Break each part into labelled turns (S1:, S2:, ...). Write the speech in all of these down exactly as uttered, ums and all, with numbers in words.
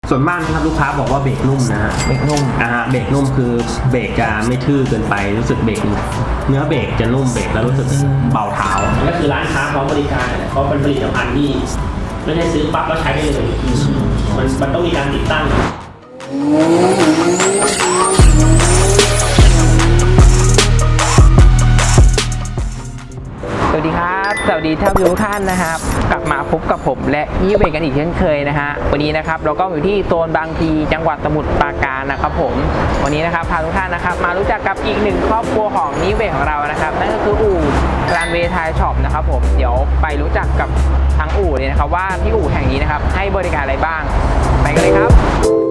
S1: ส่วนมากนะครับลูกค้าบอกว่าเบรกนุ่มนะฮะ
S2: เบรกนุ่ม
S1: นะฮะเบรกนุ่มคือเบรกจะไม่ทื่อเกินไปรู้สึกเบรกเนื้อเบรกจะนุ่มเบรกแล้วรู้สึกเบาเท้าก็คือร้านค้าพร้อมบริการเพราะเป็นผลิตภัณฑ์ที่ไม่ได้ซื้อปั๊บแล้วใช้ได้เลยมันมันต้องมีการติดตั้ง
S2: สวัสดีครับสวัสดีท่านผู้ชมทุกท่านนะครับกลับมาพบกับผมและยี่เบรกกันอีกเช่นเคยนะฮะวันนี้นะครับเราก็อยู่ที่โซนบางพลีจังหวัดสมุทรปราการนะครับผมวันนี้นะครับพาทุกท่านนะครับมารู้จักกับอีกหนึ่งครอบครัวของยี่เบรกของเรานะครับนั่นก็คืออู่รันเวย์ไทยช็อปนะครับผมเดี๋ยวไปรู้จักกับทั้งอู่เลยนะครับว่าที่อู่แห่งนี้นะครับให้บริการอะไรบ้างไปกันเลยครับ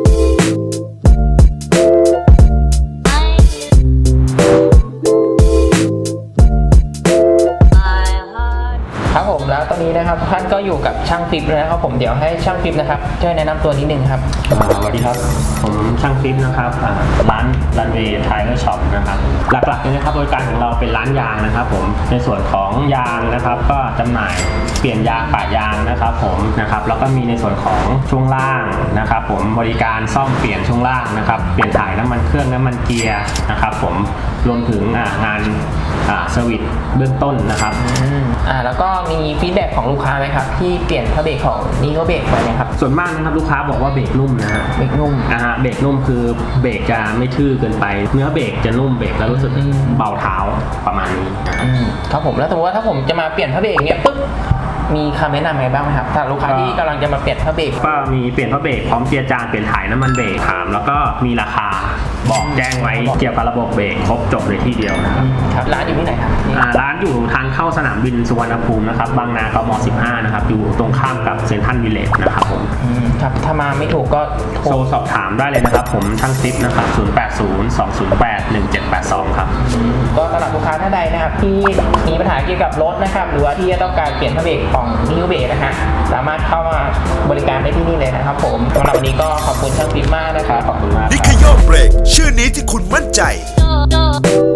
S2: ครับผมแล้วตอนนี้นะครับท่านก็อยู่กับช่างฟิปเลยนะครับผมเดี๋ยวให้ช่างฟิปนะครับช่วยแนะนำตัวนิดนึงครับ
S1: สวัสดีครับผมช่างฟิปนะครับร้านรันเวย์ไทยช็อปนะครับหลักๆเลยนะครับบริการของเราเป็นร้านยางนะครับผมในส่วนของยางนะครับก็จำหน่ายเปลี่ยนยางปะยางนะครับผมนะครับแล้วก็มีในส่วนของช่วงล่างนะครับผมบริการซ่อมเปลี่ยนช่วงล่างนะครับเปลี่ยนถ่ายน้ำมันเครื่องน้ำมันเกียร์นะครับผมรวมถึงงานเซอร์วิสเบื้องต้นนะครับ
S2: อ่าแล้วก็มีฟีดแบ็กของลูกค้าไหมครับที่เปลี่ยนผ้าเบรกของนีโกเบรกไปนะครับ
S1: ส่วนมากนะครับลูกค้าบอกว่าเบรกนุ่มนะฮะ
S2: เบรกนุ่ม
S1: นะฮะเบรกนุ่มคือเบรกจะไม่ทื่อเกินไปเนื้อเบรกจะนุ่มเบรกแล้วรู้สึกเบาเท้าประมาณนี้
S2: ครับผมแล้วสมมติว่าถ้าผมจะมาเปลี่ยนผ้าเบรกเนี้ยปึ๊บมีคำแนะนำอะไรบ้างไหมครับถ้าลูกค้าที่กำลังจะมาเปลี่ยนผ้าเบรก
S1: ก็มีเปลี่ยนผ้าเบรกพร้อมเจียร์จานเปลี่ยนถ่ายน้ำมันเบรกถามแล้วก็มีราคาบอกแจ้งไว้เกี่ยวกับระบบเบรกครบจบเลยที่เดียวนะครับ
S2: ร้านอยู่ที่ไหนครับ
S1: ร้านอยู่ทางเข้าสนามบินสุวรรณภูมินะครับบางนากมสิบห้านะครับอยู่ตรงข้ามกับเซ็นทรัลวิลเลจนะครับผม
S2: ครับถ้ามาไม่ถูกก็
S1: โทรสอบถามได้เลยนะครับผมช่างซิปนะครับศูนย์ แปด ศูนย์ สอง ศูนย์ แปด หนึ่ง เจ็ด แปด สองครับ
S2: ก็สำหรับลูกค้าท่านใดนะครับที่มีปัญหาเกี่ยวกับรถนะครับหรือว่าที่จะต้องการเปลี่ยนผ้าเบรกของนิวเบรกนะฮะสามารถเข้ามาบริการได้ที่นี่เลยนะครับผมสำหรับวันนี้ก็ขอบคุณช่างฟิปมากนะครับ
S1: ขอบคุณมาก
S3: นิคโยเบรกชื่อนี้ที่คุณมั่นใจ